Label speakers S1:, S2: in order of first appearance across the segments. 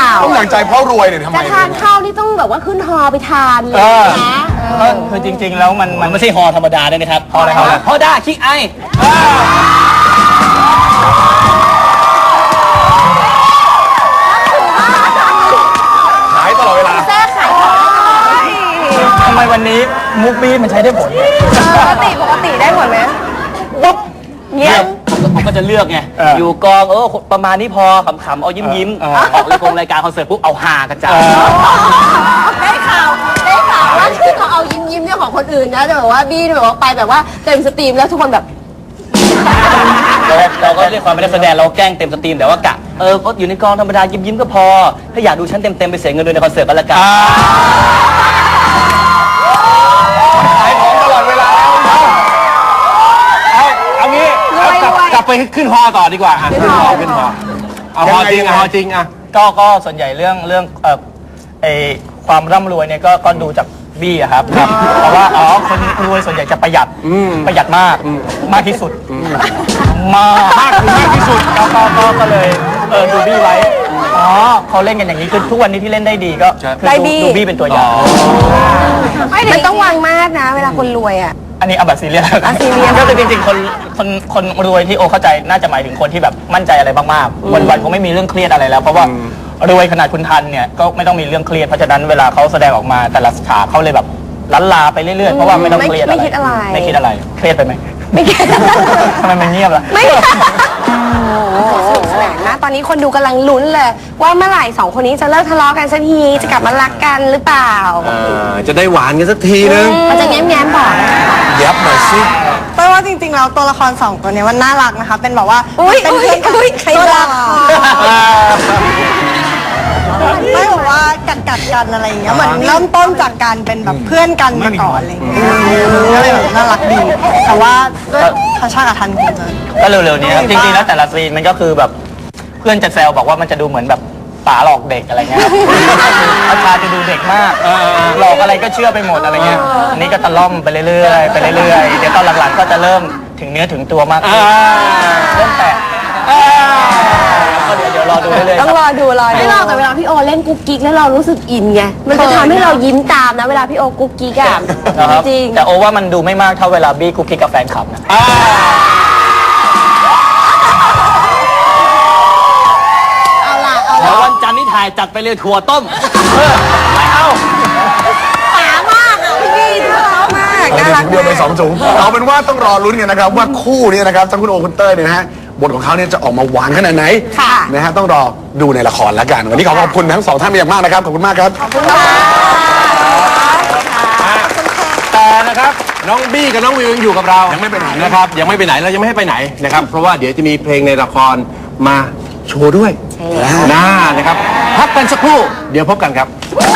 S1: ต้องอย่างใจเพราะรวยเนี่ยทำไม
S2: จะทานข้าวนี่ต้องแบบว่าขึ้นฮอไปทานเลยนะ
S3: คือจริงๆแล้วมันไม่ใช่ฮอธรรมดาด้วยนะครับฮออะไรฮอด้าคิกไอ
S1: ขายตลอดเวลา
S2: แซ่ขาย
S3: ทำไมวันนี้มุกบี้มันใช้ได้ผลเนี่ย
S2: ปกติได้ผลไหม
S3: ปุ๊บ
S2: เงี้ย
S3: ผมก็จะเลือกไงอยู่กองประมาณนี้พอขำๆเอายิ้มออกรายการคอนเสิร์ตปุ๊บเอาฮากระจาย
S2: ได้ข่าวว่าที่เขาเอายิ้มเนี่ยของคนอื่นนะแต่แบบว่าบี้แบบว่าไปแบบว่าเต็มสตรีมแล้วทุกคนแบบ
S3: เราก็เรียกความไม่ได้แสดงเราแกล้งเต็มสตรีมแต่ว่ากะก็อยู่ในกองธรรมดายิ้มก็พอถ้าอยากดูฉันเต็มไปเสียเงินด้วยในคอนเสิร์ตก็แล้วกัน
S1: ขายของตลอดเวลา
S3: เอางี้กลับไปขึ้นฮอต่อดีกว่าขึ้นฮอเอาฮอจริงอ่ะก็ส่วนใหญ่เรื่องความร่ำรวยเนี่ยก็ดูจากบี้อะครับเพราะว่าคนรวยส่วนใหญ่จะประหยัดมากที่สุดมากที่สุดก็เลยดูบี้ไว้เขาเล่นกันอย่างนี้คือทุกวันนี้ที่เล่นได้ดีก็ดูบี้เป็นตัวอย่าง
S2: ไม่ต้องวางมากนะเวลาคนรวยอ่ะ
S3: อันนี้เอาแบบซีเรียสก็คือจริงๆคนรวยที่เข้าใจน่าจะหมายถึงคนที่แบบมั่นใจอะไรมากๆวันๆคงไม่มีเรื่องเครียดอะไรแล้วเพราะว่ารวยขนาดคุณทันเนี่ยก็ไม่ต้องมีเรื่องเครียดเพราะฉะนั้นเวลาเขาแสดงออกมาแต่ละฉากเขาเลยแบบล้านลาไปเรื่อยๆเพราะว่าไม่ต้องเครียดอะไรไม่คิดอะไรเครียดไปไหม
S2: ไม่คิด
S3: ทำไมมันเงียบล่ะ
S2: ไม่สนุกสนานนะตอนนี้คนดูกำลังลุ้นเลยว่าเมื่อไหร่2คนนี้จะเลิกทะเลาะกันสักทีจะกลับมารักกันหรือเปล่า
S1: จะได้หวานกันสักทีนึง
S2: มันจะแง้มๆบอก
S1: ยับหน่อยสิ
S4: เพราะว่าจริงๆแล้วตัวละคร2ตัวนี้มันน่ารักนะคะเป็นแบบว่าเป็นเพื่อนกันตัวละครไม่บอกว่ากัดกันอะไรอย่างเงี้ยเหมือนเริ่มต้นจากการเป็นแบบเพื่อนกันมาก่อนอะไรอย่างเงี้ยก็เลยแบบน่ารักดีแต่ว่าด้วยธรรมชาติกับทันคงจะ
S3: ก็เร็วๆนี้จริงๆแล้วแต่ละซีนมันก็คือแบบเพื่อนจะแซวบอกว่ามันจะดูเหมือนแบบป๋าหลอกเด็กอะไรเงี้ยอาชาจะดูเด็กมากหลอกอะไรก็เชื่อไปหมดอะไรเงี้ยอันนี้ก็ตะล่อมไปเรื่อยๆเดี๋ยวตอนหลังๆก็จะเริ่มถึงเนื้อถึงตัวมากขึ้นเริ่มแตกเดี๋ยวรอดูเรื่อย
S2: ๆต้องรอดูไม่รอแต่เวลาพี่โอเล่นกุ๊กกิ๊กแล้วเรารู้สึกอินไงมันจะทำให้เรายิ้มตามนะเวลาพี่โอกุ๊กกิ๊กอะจริง
S3: แต่โอว่ามันดูไม่มากเท่าเวลาบี้กุ๊กกิ๊กกับแฟนคลับนะแล้ววันจันทร์นี่ถ่ายจัดไปเลยถั่วต้มไม่เอา
S2: ป๋ามากอ่ะพี่บี้น่ารักมาก
S1: น่ารักเดียวไป2 ถุงเอาเป็นว่าต้องรอลุ้นกันนะครับว่าคู่นี้นะครับทั้งคุณโอคุณเต้ยเนี่ยนะฮะบทของเขาเนี่ยจะออกมาหวานขนาดไหนนะฮะต้องรอดูในละครแล้วกันวันนี้ขอบคุณทั้ง2ท่านเป็นอย่างมากนะครับขอบคุณมากครับ
S2: ขอบคุณมาก
S5: แต่นะครับน้องบี้กับน้องวิวยังอยู่กับเรายังไม่ไปไหนนะครับยังไม่ไปไหนเรายังไม่ให้ไปไหนนะครับเพราะว่าเดี๋ยวจะมีเพลงในละครมาโชว์ด้วยนะครับพักกันสักครู่เดี๋ยวพบกันครับ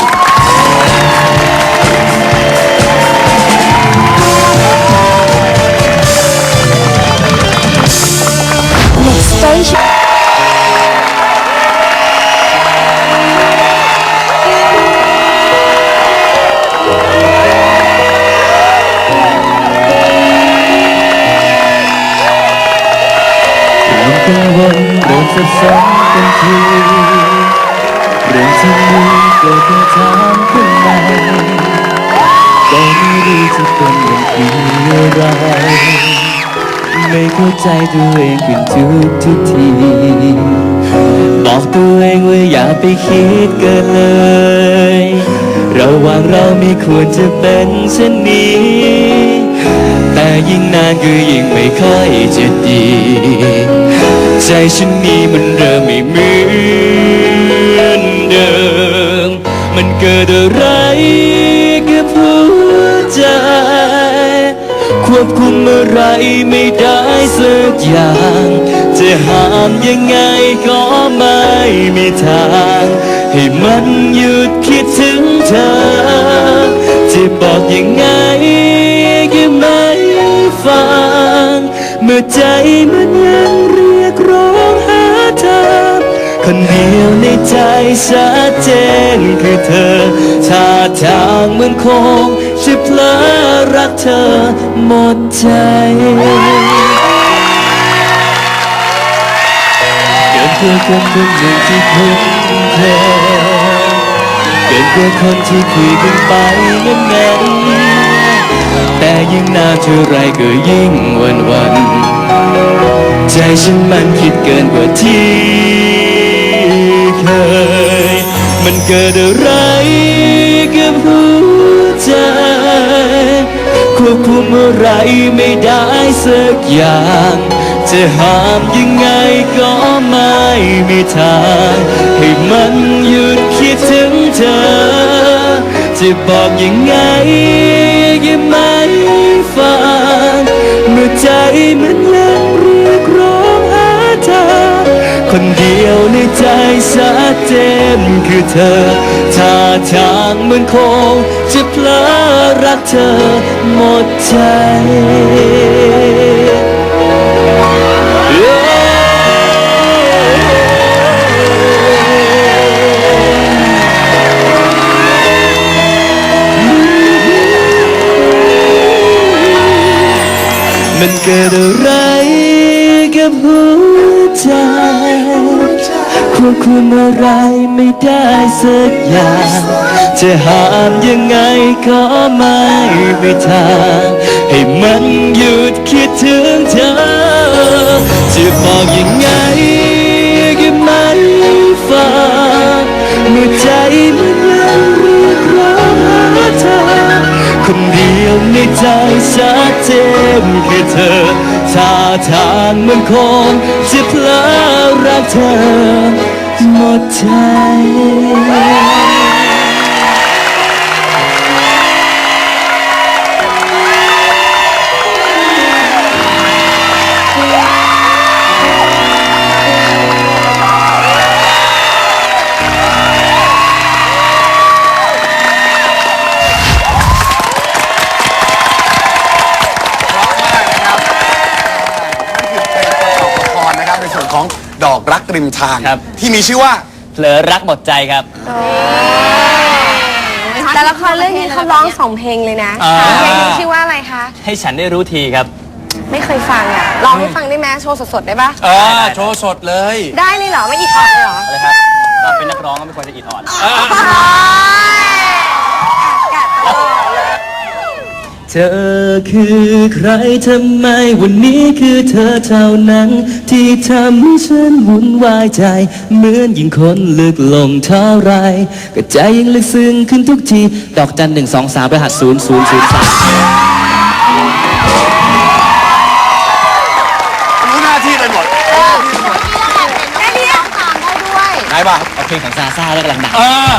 S6: กังวลเริ่มสับสนกันทีเรื่องที่มีเกิดคำถามขึ้นมาก็ไม่รู้จะเป็นอย่างไรไม่เข้าใจตัวเองขึ้นทุกทีบอกตัวเองว่าอย่าไปคิดเกินเลยระหว่างเราไม่ควรจะเป็นเช่นนี้แต่ยิ่งนานก็ยิ่งไม่ค่อยจะดีใจฉันนี้มันเริ่มไม่เหมือนเดิมมันเกิดอะไรกับหัวใจควบคุมอะไรไม่ได้สักอย่างจะห้ามยังไงก็ไม่มีทางให้มันหยุดคิดถึงเธอจะบอกยังไงก็ไม่ฟังเมื่อใจมันยังเรียกร้องหาเธอคนเดียวในใจชัดเจนคือเธอท่าทางเหมือนคงจะเพลอรักเธอหมดใจเกิดเพื่อคนหนึ่งที่คุ้นเคยกว่าคนที่คุยกันไปนั้นแต่ยิ่งนานเท่าไรก็ยิ่งหวันใจฉันมันคิดเกินกว่าที่เคยมันเกิดอะไรกับหัวใจควบคุมอะไรไม่ได้สักอย่างจะห้ามยังไงก็ไม่มีทางให้มันหยุดคิดถึงเธอจะบอกยังไงยังไม่ฟังเมื่อใจมันยังเรียกร้องหาเธอคนเดียวในใจชัดเจนคือเธอท่าทางมันคงจะเพลอรักเธอหมดใจมันเกิดอะไรกับหัวใจควบคุมอะไรไม่ได้สักอย่างจะห้ามยังไงก็ไม่มีทางให้มันหยุดคิดถึงเธอจะบอกยังไงก็ไม่ฟังเมื่อใจมันยังเรียกร้องหาเธอคนเดียวในใจชัดเจนคือเธอท่าทางมันคงจะเพลอรักเธอหมดใจ
S1: ในส่วนของดอกรักริมทาง
S3: ครับ
S1: ที่มีชื่อว่า
S3: เผลอรักหมดใจครับ
S2: แต่ละครเรื่องนี้เขาร้อง2 เพลงเลยนะ
S3: อ่า
S2: เพลงนี้ชื่อว่าอะไรคะ
S3: ให้ฉันได้รู้ทีครับ
S2: ไม่เคยฟังอ่ะร้องให้ฟังได้ไหมโชว์สดๆได้ปะ
S5: โชว์สดเลย
S2: ได้เลยเหรอไม่อีกคอร์ดเลยเหรอ
S3: อะไรครับก็เป็นนักร้องก็ไม่ควรจะอิดออด
S6: เธอคือใครทำไมวันนี้คือเธอเท่านั้นที่ทำให้ฉันวุ่นวายใจเหมือนยิ่งคนลึกลงเท่าไรก็ใจยิ่งลึกซึ้งขึ้นทุกทีดอกจัน123รหัส0003
S1: รู้หน้าที่ไปหมด
S2: ได้เรียกตามได้ด้วย
S1: ไหนบ้าง
S6: เอาเพลงของซาซ่าแล้วกำลังดัง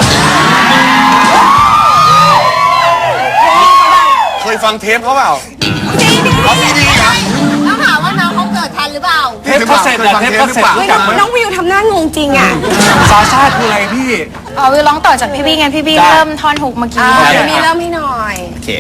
S1: เคยฟังเทปเขาเปล่า
S2: เอาดีๆนะต้องถามว่าน้องเขาเกิดทันหรือเปล่า
S5: เทปเขาเสร็จอะเทปเขาเสร็จ
S2: เฮ้ยน้องวิวทำหน้างงจริงอ่ะ
S5: ซาซ่าคืออะไรพี่
S7: วิวร้องต่อจากพี่บี้ไงพี่บี้เริ่มท่อนฮุกเมื่อกี้
S2: เดี๋ยวมีเริ่มให้หน่อย
S3: โอเค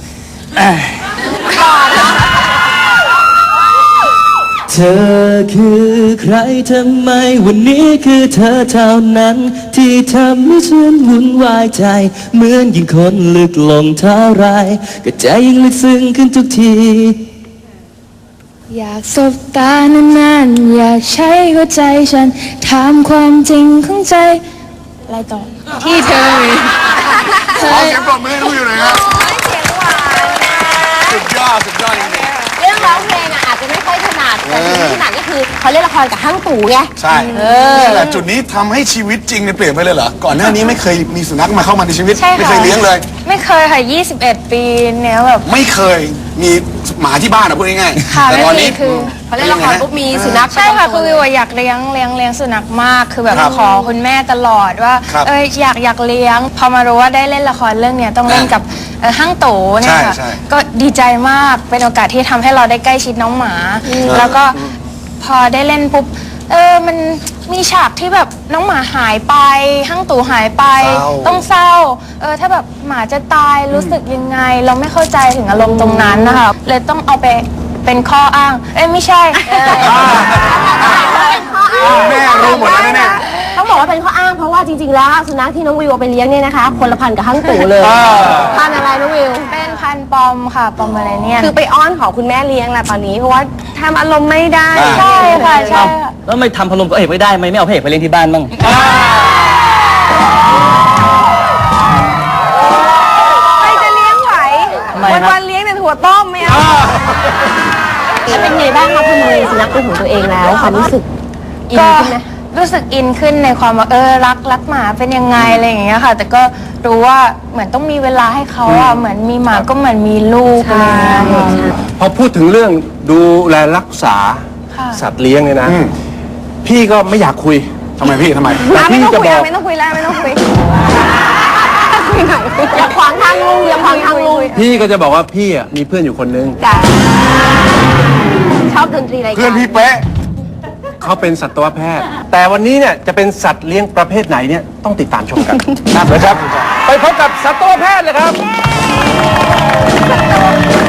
S6: เธอคือใครทำไมวันนี้คือเธอเท่านั้นที่ทำให้ฉันวุ่นวายใจเหมือนยิ่งคนลึกลงเท่าไรก็ใจยิ่งลึกซึ้งขึ้นทุกที
S7: อยากสบตานานๆอยากใช้หัวใจฉันถามความจริงของใจอะไรต่อที่เธอ
S1: ขอเสียงปรบมือให้น้องวิวหน่อยครับสุดยอดจริง
S2: เรื่องร้องเพลงอ่ะอาจจะไม่ค่อยถนัดแต่ที่ถนัดก็คือเขาเล่นละครกับห้างตู่ไง
S1: ๆใช่นี่แหละจุดนี้ทำให้ชีวิตจริงเนี่ยเปลี่ยนไปเลยเหรอ ก่อนหน้านี้ไม่เคยมีสุนัขมาเข้ามาในชีวิต
S7: ใช่ค่ะ
S1: ไม่เคยเลี้ยงเลย
S7: ไม่เคยค่ะ21 ปีเนี้ยแบบ
S1: ไม่เคยมีหมาที่บ้านอะพูดง่ายๆ
S7: ค่ะ
S1: แต่ตอนนี้
S7: ไม่มีคือ
S2: เขาเล่นละครปุ๊บมีสุนัข
S7: ใช่ค่ะคือวิวอะอยากเลี้ยงสุนัขมากคือแบบ
S1: ครับ
S7: ขอคุณแม่ตลอดว่า
S1: ครับ
S7: อยากเลี้ยง พอมารู้ว่าได้เล่นละครเรื่องเนี้ยต้องเล่นกับห้างโตเนี่ยค่ะ
S1: ใช่
S7: ก็ดีใจมากเป็นโอกาสที่ทำให้เราได้ใกล้ชิดน้องหมา แล้วก็พอได้เล่นปุ๊บมันมีฉากที่แบบน้องหมาหายไปห้างตู่หายไป
S1: เศร้า
S7: ต้องเศร้าถ้าแบบหมาจะตายรู้สึกยังไง เราไม่เข้าใจถึงอารมณ์ตรงนั้นนะคะเลยต้องเอาไปเป็นข้ออ้างไม่ใช่
S1: แม่รู้หมดแล้วแน่
S2: ต้องบอกว่าเป็นข้ออ้างเพราะว่าจริงๆแล้วสุนัขที่น้องวิวเอาไปเลี้ยงเนี่ยนะคะคนละพันธุ์กับห้างตู่เลยพันธุ์อะไรน้องวิว
S7: เป็นพันธุ์ปอมค่ะปอมอะไรเนี่ย
S2: คือไปอ้อนขอคุณแม่เลี้ยงแหละตอนนี้เพราะว่าทำอารมณ์ไม่ได้
S7: ใช่ค่ะใช่ค่ะ
S3: แล้วไม่ทำพะโล้พระเอกไม่ได้ไหมไม่เอาพระเอกไปเล่นที่บ้านบ้าง
S2: สุนัขเป็นของตัวเองแล้วความรู้สึกอิน
S7: ก็
S2: ขึ้นไหม
S7: รู้สึกอินขึ้นในความว่ารักหมาเป็นยังไงอะไรอย่างเงี้ยค่ะ แต่ก็รู้ว่าเหมือนต้องมีเวลาให้เขาอ่ะเหมือนมีหมาก็เหมือนมีลูกอะไรอย่างเงี้ยค่ะ
S5: พอพูดถึงเรื่องดูแลรักษา
S7: ค่ะ
S5: สัตว์เลี้ยงเนี่ยนะ พี่ก็ไม่อยากคุย
S1: ทำไมพี่ทำไม
S2: ไม่ต้องคุยไม่ต้องคุยแล้วไม่ต้องคุยคุยหน่อยอย่าขวางทางลุงอย่าขวางทางลุง
S5: พี่ก็จะบอกว่าพี่อ่ะมีเพื่อนอยู่คนนึง
S2: จ้ะชอบดนตรีอะไรกัน
S1: เพื่อนพี่เป๊ะ
S5: เขาเป็นสัตวแพทย์ แต่วันนี้เนี่ยจะเป็นสัตว์เลี้ยงประเภทไหนเนี่ยต้องติดตามชมกันนะครับ ไปพบกับสัตวแพทย์เลยครับ